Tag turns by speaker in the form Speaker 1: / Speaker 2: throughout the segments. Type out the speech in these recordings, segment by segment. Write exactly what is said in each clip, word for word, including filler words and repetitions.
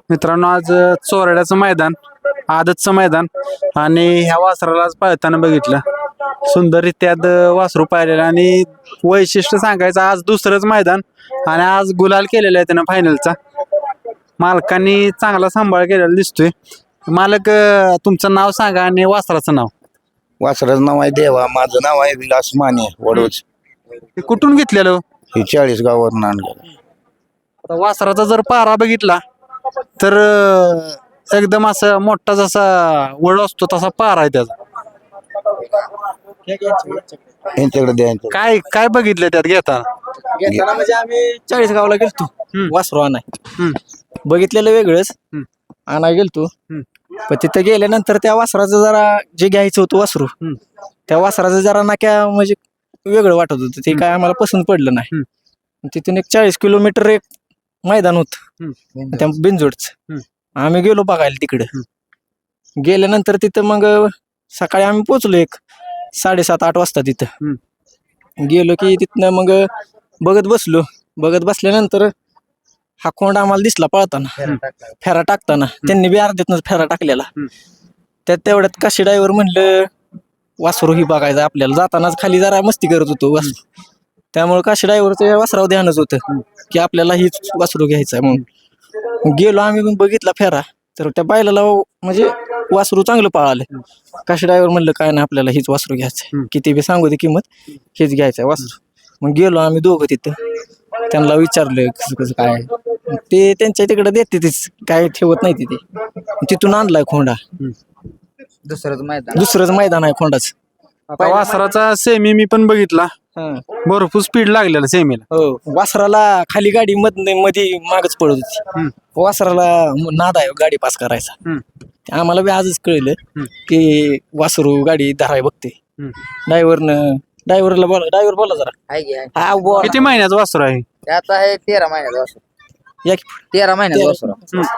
Speaker 1: मित्रांनो आज अ, चोरड्याचं मैदान आदतचं मैदान आणि ह्या वासराला आज पाळताना बघितलं सुंदररित्या द- वासरू पाहिलेलं आणि वैशिष्ट्य सांगायचं आज दुसरंच मैदान आणि आज गुलाल केलेला आहे त्यानं फायनलचा मालकांनी चांगला सांभाळ केलेला दिसतोय मालक अ, तुमचं नाव सांगा आणि वासराचं नाव
Speaker 2: वासराचं नाव आहे देवा, माझं नाव आहे विलास माने वडोज.
Speaker 1: ते कुठून घेतलेलं
Speaker 2: हे चाळीस गावावरून आणलं.
Speaker 1: आता वासराचा जर पारा बघितला तर अ, एकदम असा मोठा जसा वळ असतो तसा पारा आहे त्याचा
Speaker 2: यांच्याकडे द्यायचं.
Speaker 1: काय काय बघितलं त्यात घेताना
Speaker 3: घेताना म्हणजे आम्ही चाळीस गावला गेलतो
Speaker 1: हम्म.
Speaker 3: वासरू आणाय
Speaker 1: हम्म.
Speaker 3: बघितलेलं वेगळंच
Speaker 1: हम्म.
Speaker 3: आणाय गेलतो
Speaker 1: हम्म.
Speaker 3: पण तिथं गेल्यानंतर त्या वासराचं जरा जे घ्यायचं होतं वासरू
Speaker 1: हम्म.
Speaker 3: त्या वासराचं जरा नाक्या म्हणजे वेगळं वाटत होतं ते काय आम्हाला पसंत पडलं नाही तिथून एक चाळीस किलोमीटर एक मैदान होत त्या बिनजोडच आम्ही गेलो बघायला तिकडे गेल्यानंतर तिथं मग सकाळी आम्ही पोचलो एक साडेसात आठ वाजता तिथं गेलो की तिथनं मग बघत बसलो बघत बसल्यानंतर हा खोंड आम्हाला दिसला पळताना फेरा टाकताना त्यांनी बी अर्ध्यातनच फेरा टाकलेला त्यात तेवढ्यात काशी ड्रायव्हर म्हणलं वासरू ही बघायचं आपल्याला जातानाच खाली जरा मस्ती करत होतो वासरू त्यामुळे काशी ड्रायव्हरचं वासराव ध्यानच होतं की आपल्याला हीच वासरू घ्यायचं आहे म्हणून गेलो आम्ही मग बघितला फेरा तर त्या बैलाला म्हणजे वासरू चांगलं पळालं काशी ड्रायव्हर म्हणलं काय नाही आपल्याला हीच वासरू घ्यायचं किती बी सांगू दे किंमत हेच घ्यायचं वासरू मग गेलो आम्ही दोघं तिथं त्यांना विचारलं कसं कसं काय ते त्यांच्या तिकडे देते तेच काय ठेवत नाही तिथे तिथून आणलाय खोंडा
Speaker 4: दुसरंच मैदान
Speaker 3: दुसरंच मैदान आहे खोंडाच
Speaker 1: आता वासराचा सेमी मी पण बघितला भरपूर स्पीड लागलेला सेमीला
Speaker 3: हो वासराला खाली गाडी मध मध्ये मागच पडत होती वासराला नाद आहे गाडी पास करायचा ते आम्हाला बी आजच कळलं की वासरू गाडी धराय बघते ड्रायव्हरनं ड्रायव्हरला बोला ड्रायव्हर बोला जरा
Speaker 4: आहे की आहे.
Speaker 3: हा बोला.
Speaker 1: किती महिन्याचं वासरू आहे
Speaker 4: ते आता आहे तेरा महिन्याचं वासरू
Speaker 3: या की.
Speaker 4: तेरा महिन्याचं वासरू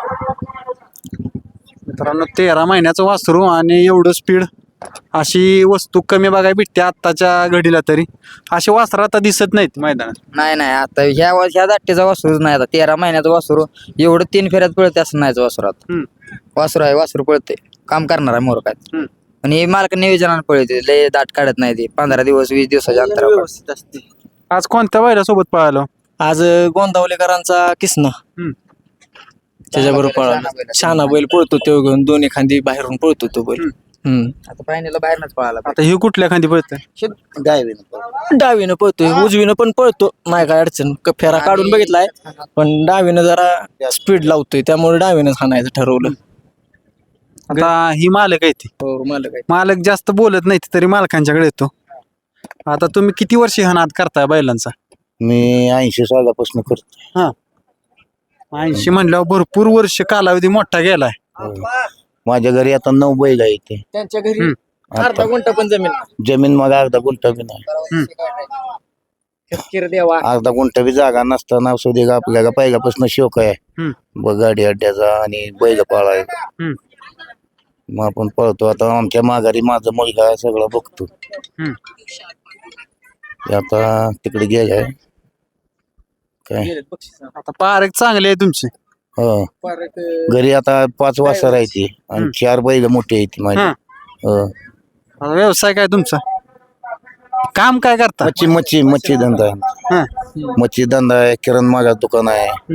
Speaker 1: मित्रांनो तेरा महिन्याचं वासरू आणि एवढं स्पीड अशी वस्तू कमी बघायला भेटते आत्ताच्या घडीला तरी अशी वासरं आता दिसत नाहीत मैदानात
Speaker 4: नाही नाही आता ह्या वा- ह्या दाट्टीचा वासरूच नाही आता तेरा महिन्याचं वासरू एवढं तीन फेऱ्यात पळते असं नाही वासरू आता वासरू आहे वासरू पळते काम करणार आहे मोर काय आणि हे मालक नियोजनाने पळते लय दाट काढत नाही ते पंधरा दिवस वीस दिवसाच्या अंतरावर
Speaker 3: व्यवस्थित असते
Speaker 1: आज कोणत्या बैलासोबत पळालो
Speaker 3: आज गोंदावलेकरांचा किसना त्याच्याबरोबर
Speaker 4: शहाणा
Speaker 3: पळाला
Speaker 4: बैल.
Speaker 3: शहाणा बैल पळतो तो घेऊन दोन्ही खांदी बाहेरून पळतो तो बैल हम्म
Speaker 4: आता फायनल बाहेरनच पळाला
Speaker 1: आता ही कुठल्या खांदी पळतंय
Speaker 2: गायबीनं.
Speaker 3: डावीनं पळतोय उजवीनं पण पळतो नाही काय अडचण क- फेरा काढून बघितलाय पण डावीनं जरा स्पीड लावतोय त्यामुळे डावीनं हाणायचं ठरवलं
Speaker 1: आता ही मालक आहे ती
Speaker 3: हो मला काय
Speaker 1: मालक जास्त बोलत नाही तरी मालकांच्याकडे येतो आता तुम्ही किती वर्ष हा नाद करताय बैलांचा
Speaker 2: मी ऐंशी सालापासून करतो.
Speaker 1: हा ऐंशी म्हणल्यावर भरपूर वर्ष कालावधी मोठा गेलाय
Speaker 2: हो. माझ्या घरी आता नऊ बैल आहे ते.
Speaker 3: त्यांच्या घरी अर्धा गुंठा पण जमीन नाही.
Speaker 2: जमीन मग अर्धा गुंठा बी नाही
Speaker 3: किर देवा
Speaker 2: अर्धा गुंठा बी जागा नसताना सुद्धा का आपल्याला पहिल्यापासून शोक आहे
Speaker 1: हम्म.
Speaker 2: ब गाडी अड्ड्याचा आणि बैल पाळायचा
Speaker 1: हम्म.
Speaker 2: मग आपण पळतो आता आमच्या माघारी माझा मुलगा आहे, सगळं बघतो
Speaker 1: हम्म.
Speaker 2: ते आता तिकडे गेलाय काय
Speaker 1: आता पारक चांगले आहे तुमची
Speaker 2: हो घरी आता पाच वाजता राहायची आणि चार बैल मोठी आहे ती माझी
Speaker 1: हा.
Speaker 2: हो
Speaker 1: आता व्यवसाय काय तुमचा काम काय करता
Speaker 2: मच्छी मच्छी मच्छी धंदा आहे
Speaker 1: हा.
Speaker 2: मच्छी धंदा आहे किरण मागा दुकान आहे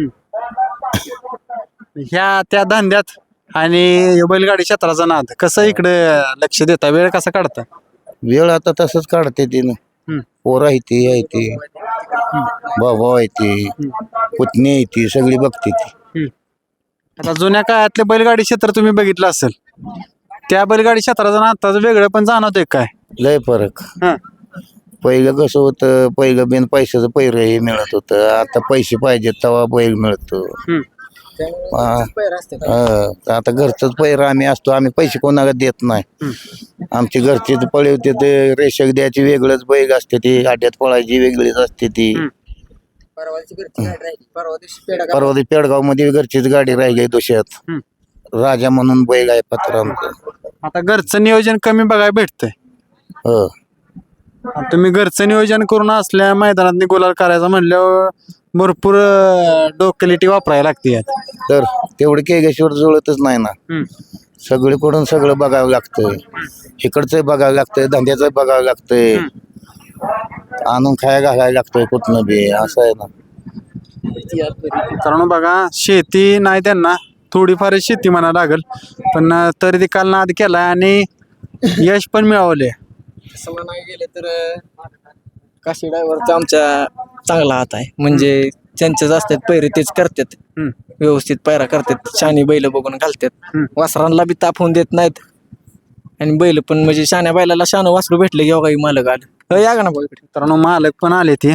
Speaker 1: ह्या त्या धंद्यात आणि हे बैलगाडी क्षेत्राचा नाद कसं इकडे लक्ष देता वेळ कसा काढता
Speaker 2: वेळ आता तसंच काढते ती
Speaker 1: हम्म.
Speaker 2: पोर आहे ती आहे ती भाऊ आहे ती पुतणी आहे ती सगळी बघते ती
Speaker 1: आता जुन्या काळातले बैलगाडी क्षेत्र तुम्ही बघितलं असेल त्या बैलगाडी क्षेत्राचं नाताचं वेगळं पण जाणवतंय काय
Speaker 2: लय फरक
Speaker 1: हा.
Speaker 2: पहिलं कसं होतं पहिलं बिन पैशाचं पैर हे मिळत होतं आता पैसे पाहिजेत तेव्हा बैल मिळतो
Speaker 1: हम्म.
Speaker 2: हा. हा. तर आता घरचंच पैर आम्ही असतो आम्ही पैसे कोणाला देत नाही आमची घरची पळी होते ते रेषक द्यायची वेगळंच बैल असते ती आड्यात पळायची वेगळीच असते ती
Speaker 4: परवाची घरची गाडी राहिली परवा दिवशी पेढा
Speaker 2: परवा घरगाव मध्ये घरचीच गाडी राहिली दोषात
Speaker 1: हम्म.
Speaker 2: राजा म्हणून बैल आहे पत्रांचं
Speaker 1: आता घरचं नियोजन कमी बघायला भेटतंय
Speaker 2: हो
Speaker 1: आता तुम्ही घरचं नियोजन करून असल्या मैदानात गुलाल करायचं म्हणल्यावर भरपूर अं, डोकेलिटी वापरायला लागते यात.
Speaker 2: तर तेवढं केगेश्वर जुळतच नाही ना.
Speaker 1: हम्म.
Speaker 2: सगळीकडून सगळं बघावं लागतंय. इकडचं बघावं लागतंय, धंद्याचं बघावं लागतंय, आणून खाया घालायला लागतंय कुठनं बी, असं आहे ना.
Speaker 1: मित्रांनो बघा, शेती नाही त्यांना, थोडीफार शेती म्हणा लागल, पण अं, तरी ते काल नाद केला आणि यश पण मिळवले.
Speaker 3: तसं म्हणायला गेलं तर काशी ड्रायव्हरचा आमच्या चांगला हात आहे. म्हणजे त्यांचेच असतात पैरे, तेच करतात.
Speaker 1: हम्म.
Speaker 3: व्यवस्थित पैरा करतात, शानी बैल बघून घालतात.
Speaker 1: हम्म.
Speaker 3: वासरांना बी ताप होऊन देत नाहीत. आणि बैल पण म्हणजे शान्या बैलाला शानं वासरू भेटले की काही मालक आलं. हो, या का ना बघ इकडे.
Speaker 1: मित्रांनो मालक पण आले ते,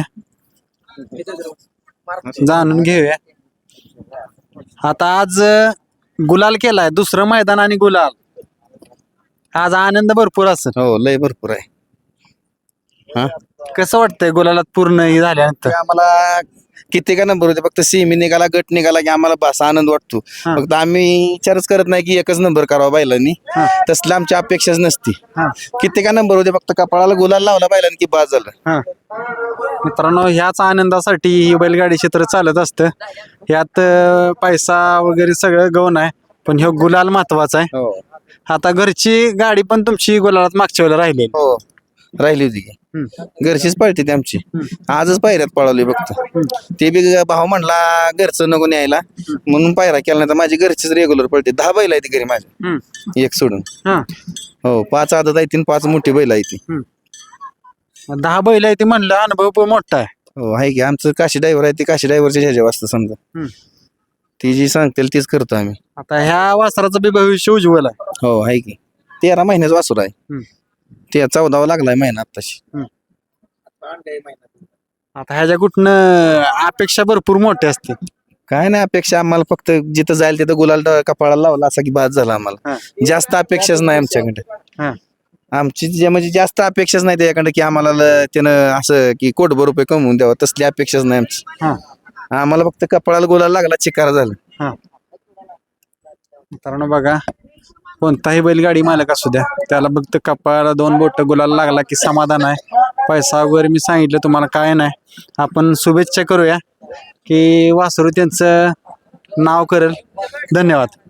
Speaker 1: जाणून घेऊया. आता आज अं, गुलाल केलाय, दुसरं मैदान आणि गुलाल. आज आनंद भरपूर असेल.
Speaker 5: हो लय भरपूर आहे.
Speaker 1: कसं वाटतंय गुलालात पूर्ण हे झाल्यानंतर?
Speaker 5: ते आम्हाला किती का नंबर होते, फक्त सेमी निघाला, गट निघाला की आम्हाला बस आनंद वाटतो.
Speaker 1: हा.
Speaker 5: फक्त आम्ही विचारच करत नाही की एकच नंबर करावा बैलांनी,
Speaker 1: हा.
Speaker 5: तसलं आमची अपेक्षाच नसती.
Speaker 1: हा.
Speaker 5: किती का नंबर होते, फक्त कपाळाला गुलाल लावला बैलांनी की बाज झालं.
Speaker 1: हा. मित्रांनो ह्याच आनंदासाठी ही बैलगाडी क्षेत्र चालत असतं. यात अं, पैसा वगैरे सगळं गौण आहे, पण ह्यो गुलाल महत्वाचा आहे.
Speaker 5: हो
Speaker 1: आता घरची गाडी पण तुमची गुलालात मागच्या वेळेला राहिलेली.
Speaker 5: हो राहिली होती की
Speaker 1: हम्म.
Speaker 5: घरचीच पळते ती आमची. आजच पायऱ्यात पळवली फक्त. ते बी भाऊ म्हणला घरचं नको न्यायला म्हणून पायरा केला, नाही तर माझी घरचीच रेग्युलर पळते. दहा बैल आहे ती घरी माझ्या,
Speaker 1: हम्म.
Speaker 5: एक सोडून.
Speaker 1: हा.
Speaker 5: हो पाच आदत आहे तीन, पाच मोठी बैल आहे ती.
Speaker 1: दहा बैल आहे ते म्हणलं, अनुभव पण मोठा आहे.
Speaker 5: हो आहे की आमचं काशी ड्रायव्हर आहे, ते काशी ड्रायव्हरच्या ह्याच्या वाजता समजा.
Speaker 1: हम्म.
Speaker 5: ती जी सांगतील तीच करतो आम्ही.
Speaker 1: आता ह्या वासराचं बी भविष्य उज्ज्वल आहे.
Speaker 5: हो आहे की तेरा महिन्याचा वासूर आहे.
Speaker 1: हम्म.
Speaker 5: ते चौदावा लागलाय महिना आत्ताशी.
Speaker 1: आता ह्याच्या कुठनं अपेक्षा भरपूर मोठी असते.
Speaker 5: काय नाही अपेक्षा आम्हाला, फक्त जिथं जाईल तिथं गुलाल ड- कपाळाला लावला असा की बाद झाला आम्हाला.
Speaker 1: हा.
Speaker 5: जास्त अपेक्षाच नाही आमच्याकडे.
Speaker 1: हा.
Speaker 5: आमची जे म्हणजे जास्त अपेक्षाच नाही त्याच्याकडे की आम्हाला ल- त्यानं असं की कोटभर रुपये कमवून द्यावं, तसली अपेक्षाच नाही आमची.
Speaker 1: हा.
Speaker 5: आम्हाला फक्त कपाळाला गुलाल लागला, चिकार झाला.
Speaker 1: हा. मित्रांनो बघा, कोणताही बैलगाडी मालक असू द्या, त्याला फक्त कपाळाला दोन बोट गुलाल लागला की समाधान आहे. पैसा वगैरे मी सांगितलं तुम्हाला काय नाही. आपण शुभेच्छा करूया की वासरू त्यांचं नाव करेल. धन्यवाद.